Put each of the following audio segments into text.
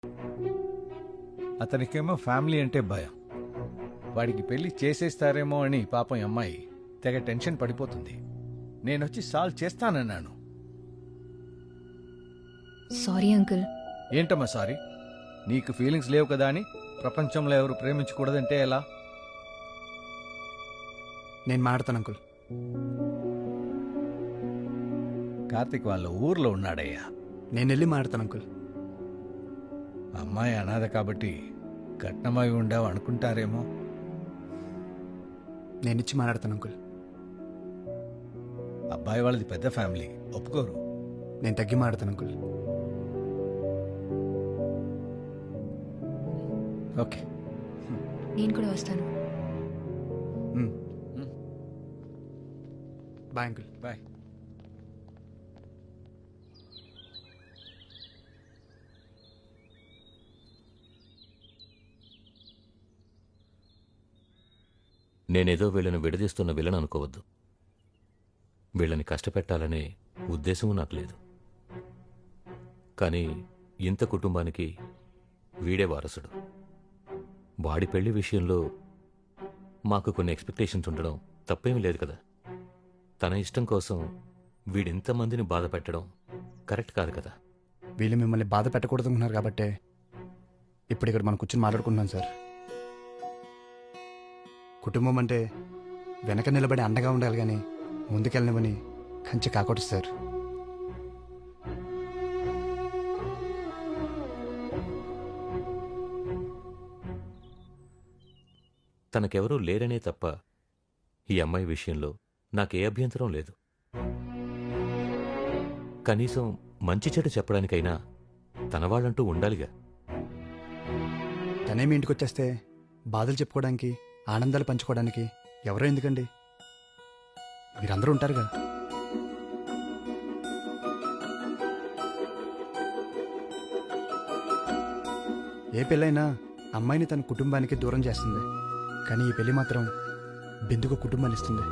అతనికేమో family అంటే భయం. వాడికి పెళ్లి చేసేస్తారేమో అని పాపం ఈ అమ్మాయి తెగ టెన్షన్ పడిపోతుంది. నేనొచ్చి సాల్వ్ చేస్తానన్నాను. Sorry uncle. ఏంటమ్మా సారీ? నీకు ఫీలింగ్స్ లేవు కదా అని ప్రపంచంలో ఎవరు ప్రేమించకూడదంటే ఎలా? నేను మాడతాను అంకుల్. కార్తిక్ వాళ్ళ ఊర్లో ఉన్నాడయ్యా. నేను వెళ్ళి మాడతాను అంకుల్. అమ్మాయి అనాథ కాబట్టి కట్నమై ఉండావు అనుకుంటారేమో. నేను ఇచ్చి మాట్లాడతాను అంకుల్. అబ్బాయి వాళ్ళది పెద్ద ఫ్యామిలీ, ఒప్పుకోరు. నేను తగ్గి మాడతాను అంకుల్. ఓకే, నేను కూడా వస్తాను. Bye uncle. బాయ్. నేనేదో వీళ్ళని విడదీస్తున్న విలన్ అనుకోవద్దు. వీళ్ళని కష్టపెట్టాలనే ఉద్దేశము నాకు లేదు. కానీ ఇంత కుటుంబానికి వీడే వారసుడు. వాడి పెళ్లి విషయంలో మాకు కొన్ని ఎక్స్పెక్టేషన్స్ ఉండడం తప్పేమీ లేదు కదా. తన ఇష్టం కోసం వీడింతమందిని బాధ పెట్టడం కరెక్ట్ కాదు కదా. వీళ్ళు మిమ్మల్ని బాధ పెట్టకూడదు అనుకున్నారు కాబట్టే ఇప్పుడు ఇక్కడ మనం కూర్చొని మాట్లాడుకుంటున్నాం సార్. కుటుంబం అంటే వెనక నిలబడి అండగా ఉండాలి కానీ ముందుకెళ్ళనివని కంచె కాకూడదు సార్. తనకెవరూ లేరనే తప్ప ఈ అమ్మాయి విషయంలో నాకే అభ్యంతరం లేదు. కనీసం మంచి చెడు చెప్పడానికైనా తన వాళ్ళంటూ ఉండాలిగా. తనేమి ఇంటికి వచ్చేస్తే బాధలు చెప్పుకోవడానికి ఆనందాలు పంచుకోవడానికి ఎవరో ఎందుకండి, మీరందరూ ఉంటారుగా. ఏ పెళ్ళైనా అమ్మాయిని తన కుటుంబానికి దూరం చేస్తుంది, కానీ ఈ పెళ్లి మాత్రం బిందుకు కుటుంబాన్ని ఇస్తుంది.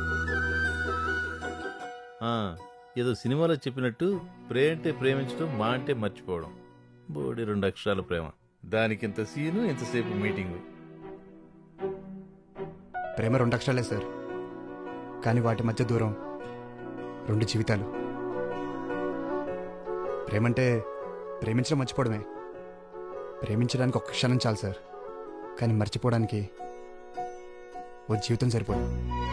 ఏదో సినిమాలో చెప్పినట్టు ప్రే అంటే ప్రేమించడం, మా అంటే మర్చిపోవడం. బోడి 2 అక్షరాల ప్రేమ, దానికి ఇంత సీను, ఇంతసేపు మీటింగు. ప్రేమ 2 అక్షరాలే సార్, కానీ వాటి మధ్య దూరం 2 జీవితాలు. ప్రేమంటే ప్రేమించడం మర్చిపోవడమే. ప్రేమించడానికి ఒక్క క్షణం చాలు సార్, కానీ మర్చిపోవడానికి ఓ జీవితం సరిపోదు.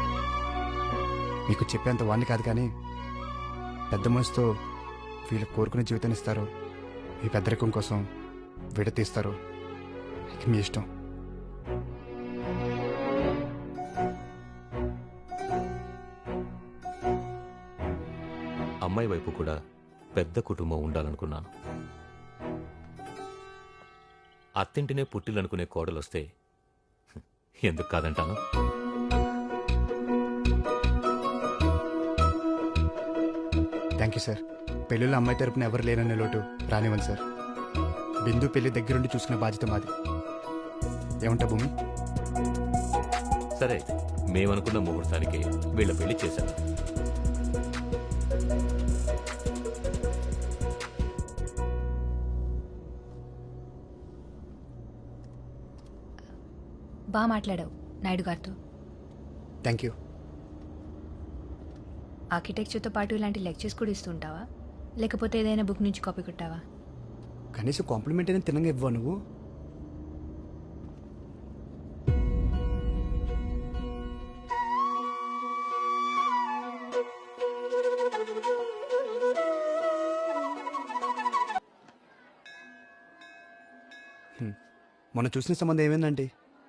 మీకు చెప్పేంత వాడిని కాదు, కానీ పెద్ద మనసుతో వీళ్ళు కోరుకునే జీవితాన్ని ఇస్తారో ఈ పెద్దరికం కోసం విడతీస్తారో ఇక మీ ఇష్టం. అమ్మాయి వైపు కూడా పెద్ద కుటుంబం ఉండాలనుకున్నాను. అత్తింటినే పుట్టిలనుకునే కోడలొస్తే ఎందుకు కాదంటాను. Thank you sir. పెళ్ళిలో అమ్మాయి తరపున ఎవరు లేరనే లోటు రానివ్వండి సార్. బిందు పెళ్లి దగ్గరుండి చూసుకునే బాధ్యత మాది. ఏమంటా భూమి? సరే, మేమనుకున్న ముహూర్తానికి వీళ్ళ పెళ్లి చేశాను. బాగా మాట్లాడావు నాయుడు గారితో. Thank you. ఆర్కిటెక్చర్తో పాటు ఇలాంటి లెక్చర్స్ కూడా ఇస్తుంటావా, లేకపోతే ఏదైనా బుక్ నుంచి కాపీ కొట్టావా? కనీసం కాంప్లిమెంట్ అయినా తినంగా ఇవ్వవు నువ్వు. మొన్న చూసిన సంబంధం ఏమైందంటే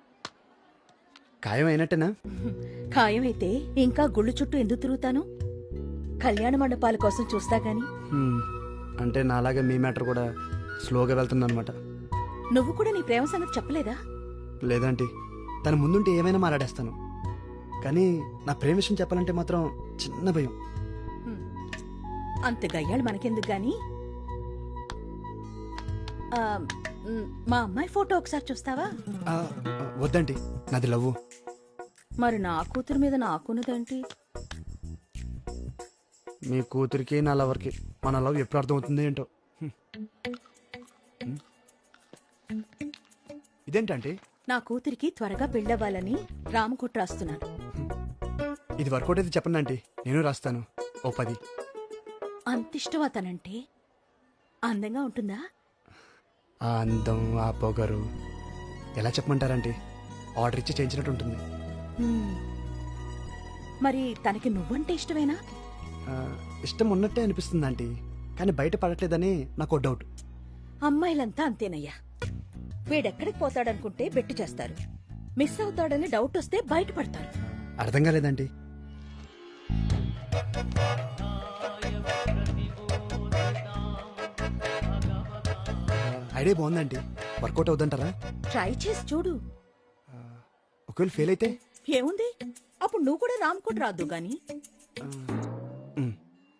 ఖాయం అయినట్టేనా? ఖాయమైతే ఇంకా గుళ్ళు చుట్టూ ఎందుకు తిరుగుతాను? కళ్యాణ మండపాల కోసం చూస్తా గాని. అంటే నాలాగా మీ మ్యాటర్ కూడా స్లోగా వెళ్తుందన్నమాట. నువ్వు కూడా నీ ప్రేమ సంగతి చెప్పలేదా? లేదంటే తన ముందుంటే ఏమైనా మాట్లాడేస్తాను, కానీ నా ప్రేమ విషయం చెప్పాలంటే మాత్రం చిన్న భయం. అంత గయ్యాళ్ళు మనకెందుకు గాని. మా అమ్మాయి ఫోటో ఒకసారి చూస్తావా? వద్దండి, నాది లవ్వు. మరి నా కూతురు మీద నాకున్నదేంటి? మీ కూతురికి నా లవర్కి మన లవ్ ఎప్పుడు అర్థమవుతుంది ఏంటో. ఇదేంటంటే నా కూతురికి త్వరగా పెళ్ళవ్వాలని రామకోట రాస్తున్నాను. ఇది వర్కౌట్ అయితే చెప్పండి ఆంటీ, నేను రాస్తాను. ఓ 10. అంతిష్టం అతనంటే. అందంగా ఉంటుందా? ఆ అందం, ఆ పొగరు ఎలా చెప్పమంటారంటే ఆర్డర్ ఇచ్చి చేయించినట్టు ఉంటుంది. హ్మ్. మరి తనకి నువ్వంటే ఇష్టమేనా? ఆ, ఇష్టం ఉన్నట్టే అనిపిస్తుంది ఆంటీ, కానీ బయట పడట్లేదని నాకు డౌట్. అమ్మాయిలంతా అంతేనయ్యా. వీడెక్కడికి పోతాడనుకుంటే బెట్టు చేస్తారు. మిస్ అవుతాడని డౌట్ వస్తే బయటపడతారు. అర్థం కాలేదంటీ. ఐడియా బాగుందండి, వర్కౌట్ అవుతుంటారా? ట్రై చేసి చూడు. ఒకవేళ ఫెయిల్ అయితే ఏముంది, అప్పుడు నువ్వు కూడా రామ్కోట్ రాదు గాని. ఉమ్.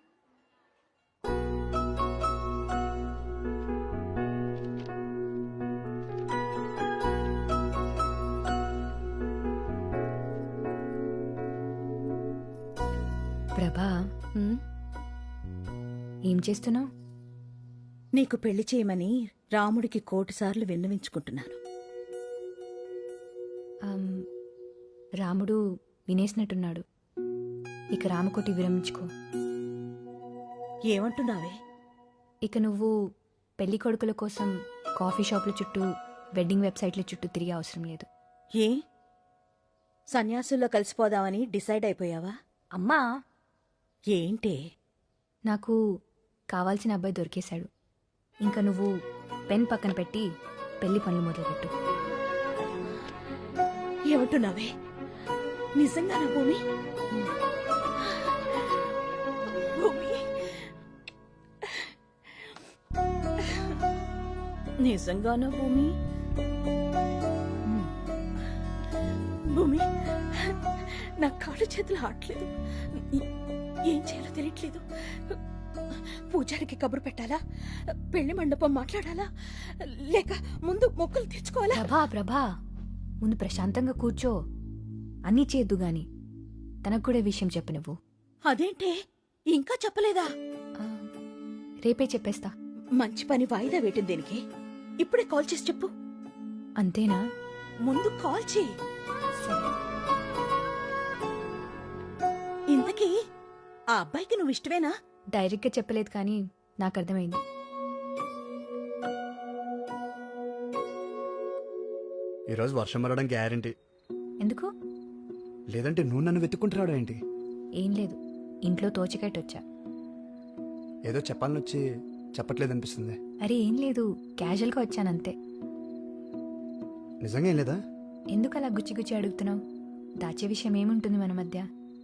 ప్రభా, హ్మ్? ఏం చేస్తున్నావు? నీకు పెళ్లి చేయమని రాముడికి 1,000 సార్లు విన్నవించుకుంటున్నాను. రాముడు వినేసినట్టున్నాడు. ఇక రామకోటి విరమించుకో. ఏమంటున్నావే? ఇక నువ్వు పెళ్లి కొడుకుల కోసం కాఫీ షాపుల చుట్టూ, వెడ్డింగ్ వెబ్సైట్ల చుట్టూ తిరిగే అవసరం లేదు. ఏ సన్యాసుల్లో కలిసిపోదామని డిసైడ్ అయిపోయావా? అమ్మా, ఏంటే? నాకు కావాల్సిన అబ్బాయి దొరికేశాడు. ఇంకా నువ్వు పెన్ పక్కన పెట్టి పెళ్లి పనులు మొదలుపెట్టు. ఏమంటున్నావే? నిజంగానా భూమి? భూమి, నిజంగానా భూమి? భూమి, నా కాళ్ళు చేతులు ఆడలేదు. ఏం చేయాలో తెలియట్లేదు. పూజారికి కబురు పెట్టాలా? పెళ్లి మండపం మాట్లాడాలా? లేక ముందు మొక్కులు తెచ్చుకోవాలా? ప్రభా, ముందు ప్రశాంతంగా కూర్చో. అన్నీ చేద్దు గాని తనకు కూడా విషయం చెప్పు నువ్వు. అదేంటే ఇంకా చెప్పలేదా? ఆ, రేపే చెప్పేస్తా. మంచి పని వాయిదా వేయటం దేనికి? ఇప్పుడే కాల్ చేసి చెప్పు. అంతేనా? ముందు కాల్ చేయి. సరే. ఇంతకీ ఆ అబ్బాయికి నువ్వు ఇష్టమేనా? డైరెక్ట్గా చెప్పలేదు కానీ నాకు అర్థమైంది. ఈరోజు వర్షం పడడం గ్యారంటీ. ఎందుకు? లేదంటే నువ్వు నన్ను వెతుక్కుంటున్నాడు ఏంటి? ఏం లేదు, ఇంట్లో తోచికట్టొచ్చా. ఏదో చెప్పాలని వచ్చి చెప్పట్లేదు అనిపిస్తుంది. అరే ఏం లేదు, క్యాజువల్గా వచ్చానంతే. నిజంగా ఏం లేదా? ఎందుకు అలా గుచ్చి గుచ్చి అడుగుతున్నావు? దాచే విషయం ఏముంటుంది మన మధ్య?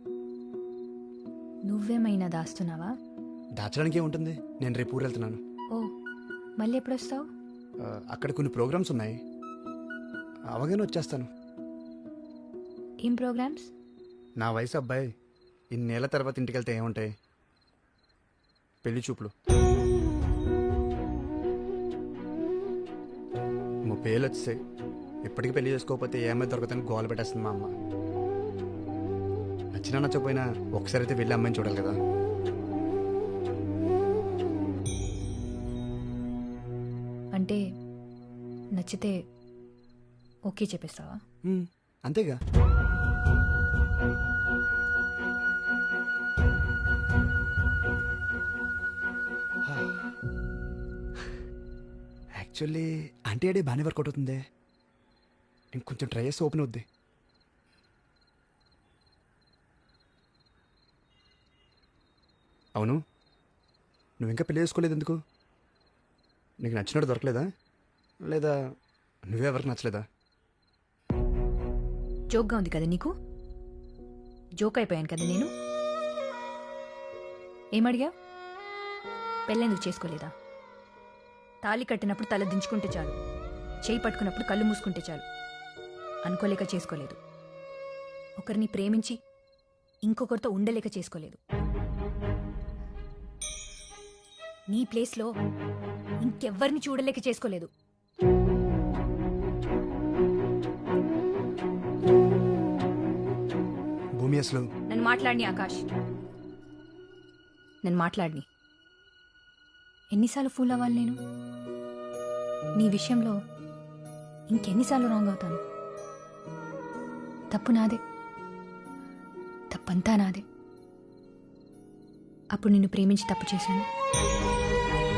నువ్వేమైనా దాస్తున్నావా? దాచడానికి ఏముంటుంది, నేను రేపు ఊరు వెళ్తున్నాను. ఓ, మళ్ళీ ఎప్పుడొస్తావు? అక్కడ కొన్ని ప్రోగ్రామ్స్ ఉన్నాయి, అవగానే వచ్చేస్తాను. ఏం ప్రోగ్రామ్స్? నా వయసు అబ్బాయి ఇన్నేళ్ల తర్వాత ఇంటికి వెళ్తే ఏముంటాయి? పెళ్లి చూపులు. 30 ఏళ్ళు వచ్చేసాయి, ఇప్పటికీ పెళ్లి చేసుకోకపోతే ఏమైనా దొరకదని గోల పెట్టేస్తుంది మా అమ్మ. నచ్చినా నచ్చకపోయినా ఒకసారి అయితే వెళ్ళి అమ్మాయిని చూడాలి కదా. అంటే నచ్చితే ఓకే చెప్పేస్తావా? అంతేగా. యాక్చువల్లీ ఆంటీ అడే బాగానే వర్కౌట్ అవుతుంది. ఇంకొంచెం ట్రై చేస్తే ఓపెన్ అవుద్ది. అవును, నువ్వు ఇంకా పెళ్లి చేసుకోలేదు ఎందుకు? నీకు నచ్చినట్టు దొరకలేదా, లేదా నువ్వెవరికి నచ్చలేదా? జోక్గా ఉంది కదా నీకు? జోక్ అయిపోయాను కదా నేను. ఏమడిగా? పెళ్ళెందుకు చేసుకోలేదా? తాళి కట్టినప్పుడు తల దించుకుంటే చాలు, చేయి పట్టుకున్నప్పుడు కళ్ళు మూసుకుంటే చాలు. అనుకోలేక చేసుకోలేదు. ఒకరిని ప్రేమించి ఇంకొకరితో ఉండలేక చేసుకోలేదు. నీ ప్లేస్లో ఇంకెవ్వరిని చూడలేక చేసుకోలేదు. భూమి అసలు నన్ను మాట్లాడిని ఆకాష్, నన్ను మాట్లాడిని. ఎన్నిసార్లు ఫూల్ అవ్వాలి నేను? నీ విషయంలో ఇంకెన్నిసార్లు రాంగ్ అవుతాను? తప్పు నాదే, తప్పంతా నాదే. అప్పుడు నిన్ను ప్రేమించి తప్పు చేశాను.